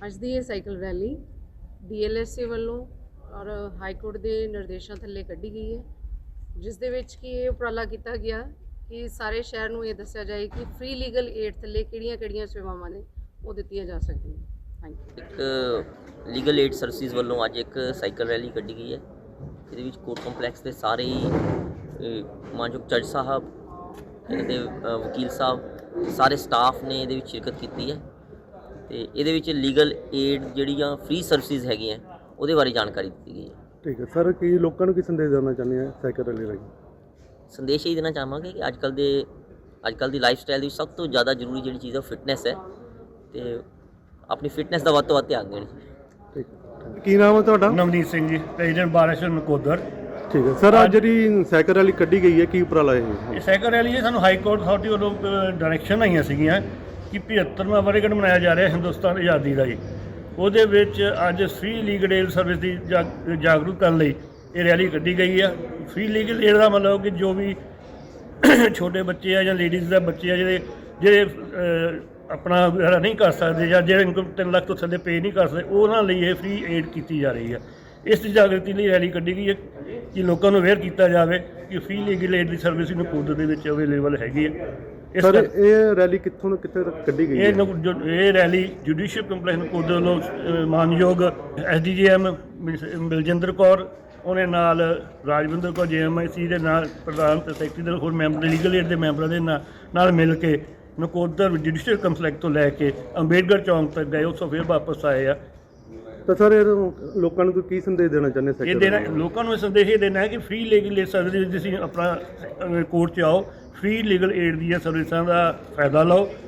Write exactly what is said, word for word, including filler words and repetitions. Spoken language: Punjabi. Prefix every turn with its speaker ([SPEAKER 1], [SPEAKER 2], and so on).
[SPEAKER 1] ਅੱਜ ਦੀ ਇਹ cycle rally D L S A ਵੱਲੋਂ ਔਰ ਹਾਈ ਕੋਰਟ ਦੇ ਨਿਰਦੇਸ਼ਾਂ ਥੱਲੇ ਕੱਢੀ ਗਈ ਹੈ, ਜਿਸ ਦੇ ਵਿੱਚ ਕਿ ਇਹ ਉਪਰਾਲਾ ਕੀਤਾ ਗਿਆ ਕਿ ਸਾਰੇ ਸ਼ਹਿਰ ਨੂੰ ਇਹ ਦੱਸਿਆ ਜਾਏ ਕਿ ਫ੍ਰੀ ਲੀਗਲ ਏਡ ਥੱਲੇ ਕਿਹੜੀਆਂ-ਕਿਹੜੀਆਂ ਸੇਵਾਵਾਂ ਨੇ ਉਹ ਦਿੱਤੀਆਂ ਜਾ ਸਕਦੀਆਂ। Thank you.
[SPEAKER 2] ਇੱਕ ਲੀਗਲ ਏਡ ਸਰਵਿਸਿਜ਼ ਵੱਲੋਂ ਅੱਜ ਇੱਕ ਸਾਈਕਲ ਰੈਲੀ ਕੱਢੀ ਗਈ ਹੈ। ਇਹਦੇ ਵਿੱਚ ਕੋਰਟ ਕੰਪਲੈਕਸ ਦੇ ਸਾਰੇ ਹੀ ਮਾਨਯੋਗ ਜੱਜ ਸਾਹਿਬ, ਇਹਦੇ ਵਕੀਲ ਸਾਹਿਬ, ਸਾਰੇ ਸਟਾਫ ਨੇ ਇਹਦੇ ਵਿੱਚ ਸ਼ਿਰਕਤ ਕੀਤੀ ਹੈ ਤੇ ਇਹਦੇ ਵਿੱਚ ਲੀਗਲ ਏਡ ਜਿਹੜੀਆਂ ਫ੍ਰੀ ਸਰਵਿਸਿਜ਼ ਹੈਗੀਆਂ ਉਹਦੇ ਬਾਰੇ ਜਾਣਕਾਰੀ ਦਿੱਤੀ ਗਈ ਹੈ।
[SPEAKER 3] ਠੀਕ ਹੈ ਸਰ, ਕੀ ਲੋਕਾਂ ਨੂੰ ਕੀ ਸੰਦੇਸ਼ ਦੇਣਾ ਚਾਹੁੰਦੇ ਆ ਸਾਈਕਲ ਰੈਲੀ ਰਾਹੀਂ?
[SPEAKER 2] ਸੰਦੇਸ਼ ਇਹ ਦੇਣਾ ਚਾਹਾਂਗੇ ਕਿ ਅੱਜ ਕੱਲ੍ਹ ਦੇ ਅੱਜ ਕੱਲ੍ਹ ਦੀ ਲਾਈਫ ਸਟਾਈਲ ਵਿੱਚ ਸਭ ਤੋਂ ਜ਼ਿਆਦਾ ਜ਼ਰੂਰੀ ਜਿਹੜੀ ਚੀਜ਼ ਹੈ ਫਿਟਨੈਸ ਹੈ ਤੇ ਆਪਣੀ ਫਿਟਨੈਸ ਦਾ ਵੱਧ ਤੋਂ ਵੱਧ ਧਿਆਨ ਦੇਣ।
[SPEAKER 3] ਠੀਕ ਹੈ, ਕੀ ਨਾਮ ਹੈ ਤੁਹਾਡਾ?
[SPEAKER 4] ਨਵਨੀਤ ਸਿੰਘ ਜੀ, ਪ੍ਰੈਜ਼ੀਡੈਂਟ ਬਾਰ ਐਸੋਸੀਏਸ਼ਨ ਨਕੋਦਰ।
[SPEAKER 3] ਠੀਕ ਹੈ ਸਰ, ਅੱਜ ਜਿਹੜੀ ਸਾਈਕਲ ਰੈਲੀ ਕੱਢੀ ਗਈ ਹੈ ਕੀ ਉਪਰਾਲਾ ਇਹ?
[SPEAKER 4] ਇਹ ਸਾਈਕਲ ਰੈਲੀ ਸਾਨੂੰ ਹਾਈ ਕੋਰਟ ਅਥਾਰਟੀ ਵੱਲੋਂ ਡਾਇਰੈਕਸ਼ਨ ਆਈਆਂ ਸੀਗੀਆਂ ਕਿ ਪਝੱਤਰਵਾਂ ਵਰ੍ਹੇਗੰਢ ਮਨਾਇਆ ਜਾ ਰਿਹਾ ਹਿੰਦੁਸਤਾਨ ਆਜ਼ਾਦੀ ਦਾ ਜੀ। ਉਹਦੇ ਵਿੱਚ ਅੱਜ ਫ੍ਰੀ ਲੀਗਲ ਏਡ ਸਰਵਿਸ ਦੀ ਜਾਗ ਜਾਗਰੂਕ ਕਰਨ ਲਈ ਇਹ ਰੈਲੀ ਕੱਢੀ ਗਈ ਆ। ਫ੍ਰੀ ਲੀਗਲ ਏਡ ਦਾ ਮਤਲਬ ਕਿ ਜੋ ਵੀ ਛੋਟੇ ਬੱਚੇ ਆ ਜਾਂ ਲੇਡੀਜ਼ ਦਾ ਬੱਚੇ ਆ ਜਿਹੜੇ ਜਿਹੜੇ ਆਪਣਾ ਵਗੈਰਾ ਨਹੀਂ ਕਰ ਸਕਦੇ ਜਾਂ ਜਿਹੜੇ ਇਨਕਮ ਤਿੰਨ ਲੱਖ ਤੋਂ ਥੱਲੇ ਪੇ ਨਹੀਂ ਕਰ ਸਕਦੇ, ਉਹਨਾਂ ਲਈ ਇਹ ਫ੍ਰੀ ਏਡ ਕੀਤੀ ਜਾ ਰਹੀ ਹੈ। ਇਸ ਦੀ ਜਾਗਰਤੀ ਲਈ ਰੈਲੀ ਕੱਢੀ ਗਈ ਹੈ ਕਿ ਲੋਕਾਂ ਨੂੰ ਅਵੇਅਰ ਕੀਤਾ ਜਾਵੇ ਕਿ ਫ੍ਰੀ ਲੀਗਲ ਏਡ ਦੀ ਸਰਵਿਸ ਨਕੋਦਰ ਦੇ ਵਿੱਚ ਅਵੇਲੇਬਲ ਹੈਗੀ ਹੈ। ਇਸ
[SPEAKER 3] ਸਰ ਇਹ ਰੈਲੀ ਕਿੱਥੋਂ ਤੋਂ ਕਿੱਥੇ ਤੱਕ ਕੱਢੀ ਗਈ ਹੈ?
[SPEAKER 4] ਇਹ ਨਕ- ਜੋ- ਇਹ ਰੈਲੀ ਜੁਡੀਸ਼ੀਅਲ ਕੰਪਲੈਕਸ ਨਕੋਦਰ ਵੱਲੋਂ ਅ, ਮਾਨਯੋਗ S D J M Baljinder Kaur, ਉਹਨੇ ਨਾਲ ਰਾਜਵਿੰਦਰ ਕੌਰ ਜੇ ਐਮ ਆਈ ਸੀ ਦੇ ਨਾਲ ਪ੍ਰਧਾਨ ਤੇ ਸੈਕਟਰੀ ਦੇ ਹੋਰ ਮੈਂਬਰ ਲੀਗਲ ਏਡ ਦੇ ਮੈਂਬਰਾਂ ਦੇ ਨਾਲ ਨਾਲ ਮਿਲ ਕੇ ਨਕੋਦਰ ਜੁਡੀਸ਼ੀਅਲ ਕੰਪਲੈਕਸ ਤੋਂ ਲੈ ਕੇ ਅੰਬੇਡਕਰ ਚੌਂਕ ਤੱਕ ਗਏ, ਉੱਥੋਂ ਫਿਰ ਵਾਪਸ ਆਏ ਆ।
[SPEAKER 3] ਤਾਂ ਸਰ ਇਹ ਲੋਕਾਂ ਨੂੰ ਕੋਈ ਕੀ ਸੰਦੇਸ਼ ਦੇਣਾ ਚਾਹੁੰਦੇ
[SPEAKER 4] ਇਹ
[SPEAKER 3] ਸਾਈਕਲ
[SPEAKER 4] ਦੇਣਾ
[SPEAKER 3] ਰੈਲੀ?
[SPEAKER 4] ਲੋਕਾਂ ਨੂੰ ਇਹ ਸੰਦੇਸ਼ ਇਹ ਦੇਣਾ ਹੈ ਕਿ ਫ੍ਰੀ ਲੀਗਲ ਸਰਵਿਸ ਤੁਸੀਂ ਆਪਣਾ ਕੋਰਟ 'ਚ ਆਓ, ਫ੍ਰੀ ਲੀਗਲ ਏਡ ਦੀਆਂ ਸਰਵਿਸਾਂ ਦਾ ਫਾਇਦਾ ਲਓ